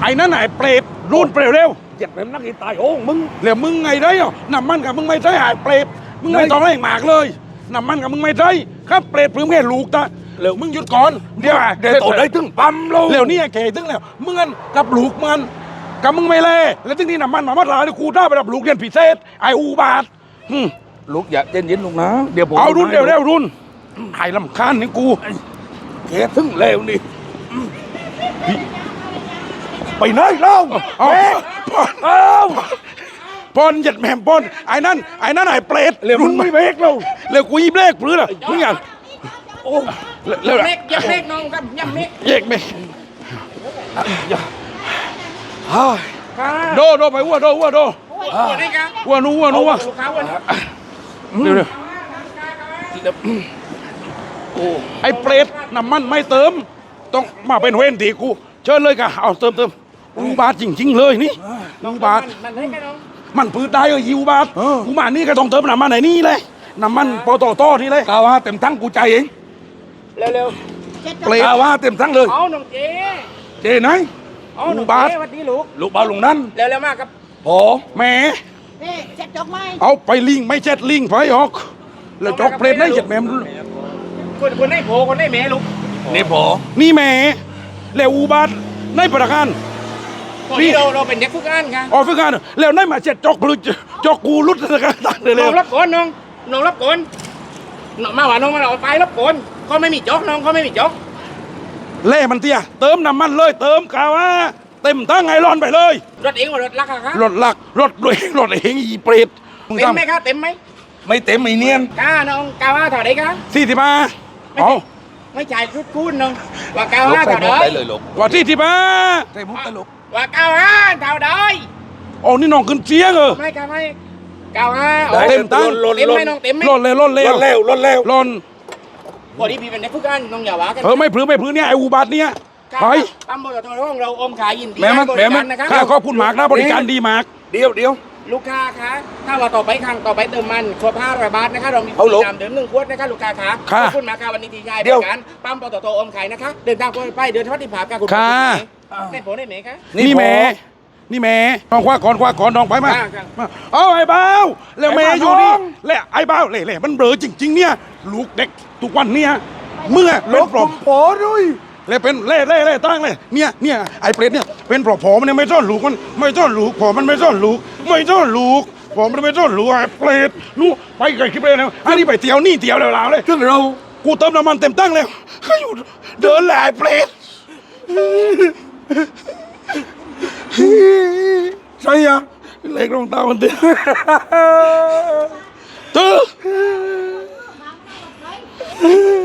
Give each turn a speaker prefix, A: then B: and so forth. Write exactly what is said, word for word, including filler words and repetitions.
A: อ้นั่นไอ้เปรตรุ่นเปรตเร็ว
B: เจ็บเป็นนักกีตายโอ้มึง
A: เหลือมึงไงได้อ่ะน้ำมันกับมึงไม่ใช่ไอ้เปรตมึงไม่ต้องไล่หมากเลยน้ำมันกับมึงไม่ใช่ครับเปรตเพิ่งแค่ลูกตาเหลือมึงหยุดก่อนเดี๋ยว
B: เดี๋ยวตัวได้ถึงปั๊มลง
A: เหลือนี่แก่ตึงแล้วมึงกับลูกมันกับมึงไม่เล่แล้วถึงนี่น้ำมันมามัดลาเนี่ยกูได้ไปรับลูกเรียนพิเศษไอ้อูบาท
B: ลูกอย่าเย็นเย็นลูกนะเดี๋ยวผม
A: เอารุ่นเร็วเร็วรุ่นไอ้ลำคาญนี่กู
B: แกถึงเร็วนี่ไปไหนเล่า
A: เอาเอาปอนหยัดแหม่มปอนไอ้นั่นไอ้นั่นไอ้เปรต
B: เร็วมึงไม่เบรกเรา
A: เร็วกูยีเบรกปื้อละมึงอย่าง
B: โอ้
C: เร็วเล็กยับเล็กน้องครับยับเล็ก
A: เยกเบรกโดโดไปวัวโดวัวโดวัวนู้วัวนู้วัวเร็วเร็วไอ้เปรตน้ำมันไม่เติมต้องมาเป็นเว้นตีกูเชิญเลยกะเอาเติมเติมอูบาทจริงๆเลยนี่อูบาทมันปืนได้เออยูบาทกูมานี่ก็ต้องเติมน้ำมันไหนนี่เลยน้ำมันปตทนี่เลย
B: กาว่าเต็มทั้งกูใจเอง
C: เร็วเร็ว
B: เปรตกาว่าเต็มทั้งเลย
C: เอาน้องเจ
B: เจไหน
C: อูบาทวันนี้ลูก
B: ลูกบาลงนั้น
C: เร็วเร็วมากครับ
B: โอ้
A: แม่
C: เจ็ดจอกไม้
A: เอาไปลิงไม่เจ็ดลิงไปออกแล้วจอกเปรตได้เจ็ดแม่
C: คนคนได้โผคนได้แม่ลูก
B: นี่พอ
A: นี่แม่แล้วอูบาทในประการ
C: นี่เราเราเป็นเด็กฝึกงานค่ะ
A: อ๋อฝึกงานแล้วในมาเจ็ดจอกลุจอกกูรุดสกัดตัดเลย
C: น้องรับก่อนน้องน้องรับก่อนมาว่าน้องมาเอาไปรับก่อนเขาไม่มีจอกน้องเขาไม่มีจอก
A: เล่มันเตี้ยเติมน้ำมันเลยเติมกาว่าเต็มตั้งไงร้อนไปเลย
C: รถเองรถลักค่ะ
A: รถลักรถด้วยรถเองอีเปรต
C: เต็มไหมครับเต็มไหม
B: ไม่เต็มไม่เนียน
C: กาน้องกาว่าเท่าไหร่ครับ
A: สี่สิบห้าอ๋อ
C: ไม่จ่ายรุดคูณน้องว่ากาว่าเท่าไหร่
A: ว่าสี่สิบห้า
B: ใส่มุกตลก
C: ว่ากาว่าเท่าไหร่
A: อ๋อนี่น้องขึ้นเสียงเออ
C: ไม่กาไม่กาว่า
A: เต็มตั้ง
C: เต็มไหมน้องเต็มไหม
A: ร้อนเลยร้อนเลย
B: ร้อนเร็วร้อนเร็ว
A: ร้อน
C: พอดีพี่เป็นเด็กฝึกงานน้องอย่าว่ากัน
A: เออไม่พลื้ไม่พลื้เนี่ยไอ้อุบัติเนี่ยไป
C: ปั๊มบริการของเราอมขายยินดี
A: บริการนะครับข้าขอบคุณมากนะบริการดีมาก
B: เดี๋ยวเดี๋ยว
C: ลูกค้าคะถ้าเราต่อไปครั้งต่อไปเติมมันครบห้าร้อยบาทนะคะเรามีบริการเดิมหนึ่งขวดนะคะลูกค้าคะขอบคุณมากค่ะวันนี้ทีใหญ่บริการปั๊มปตทอมขายนะคะเดินทางไปเดินทวัดที่ผาค่ะคุณ
A: ค่ะ
C: ได้ผลได้ไหมคะ
A: นี่แม่นี่แม่น้องคว้าก่อนคว้าก่อนน้องไปมาเอาไอ้บ้าแล้วแม่อยู่นี่แล้วไอ้บ้าเล่ๆมันเบลอจริงๆเนี่ยลูกเด็กทุกวันเนี่ยเมื่อ
B: เป็นปลอกผอด้วย
A: เลยเป็นเล่เล่เล่ตั้งเลยเนี่ยเนี่ยไอ้เปรตเนี่ยเป็นปลอกผอมันไม่ซ่อนลูกมันไม่ซ่อนลูกผอมันไม่ซ่อนลูกไม่ซ่อนลูกผอมันไม่ซ่อนลูกไอ้เปรตนู่ไปไกลคลิปเลยนะอันนี้ไปเตียวนี่เตียวแล้วเลย
B: ซึ่งเรา
A: กูเติมน้ำมันเต็มตั้งเลยให้อยู่เดินแหล่เปรตใช่ยังเล็กลงตามันเตี้ยเธอ